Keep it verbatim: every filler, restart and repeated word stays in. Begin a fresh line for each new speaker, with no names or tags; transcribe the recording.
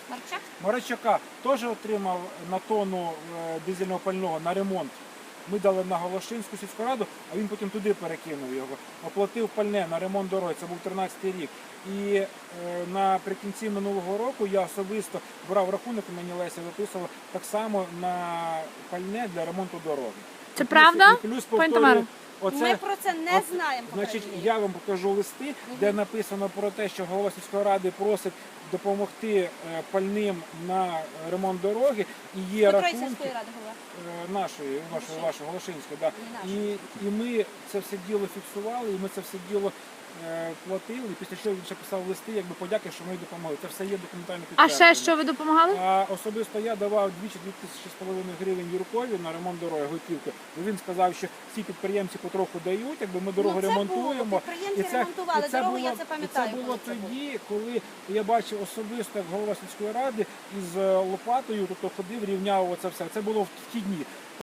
Марчак?
Маричака теж отримав на тонну е, дизельного пального на ремонт. Ми дали на Голошинську сільську раду, а він потім туди перекинув його. Оплатив пальне на ремонт дороги, це був тринадцятий рік. І е, наприкінці минулого року я особисто брав рахунок, мені Леся виписувала так само на пальне для ремонту дороги.
Це
І плюс-
правда,
і плюс
пані
повторюю,
Тамаро?
оце,
Ми про це не
от,
знаємо.
Значить,
попередньо.
я вам покажу листи, де написано про те, що голова сільської ради просить допомогти е, пальним на ремонт дороги. І є
Котрої
рахунки
сільської ради голова?
е, нашої, вашої, вашої Голошинської, да.
Не
І, і ми це все діло фіксували, і ми це все діло е, платили. І після чого він ще писав листи, якби подяки, що ми їй допомогли. Це все є документально
А
підтверджено.
ще що ви допомагали?
А особисто я давав двічі дві тисячі з половиною гривень Юркові на ремонт дороги готівки. Бо він сказав, що всі підприємці потроху дають, якби ми дорогу
Ну, це
ремонтуємо.
було, підприємці ремонтували дорогу, я це пам'ятаю,
І це було
коли це
тоді, коли я бачив особисто, як голова сільської ради із е, лопатою, тобто ходив, рівняв оце все. Це було в ті дні.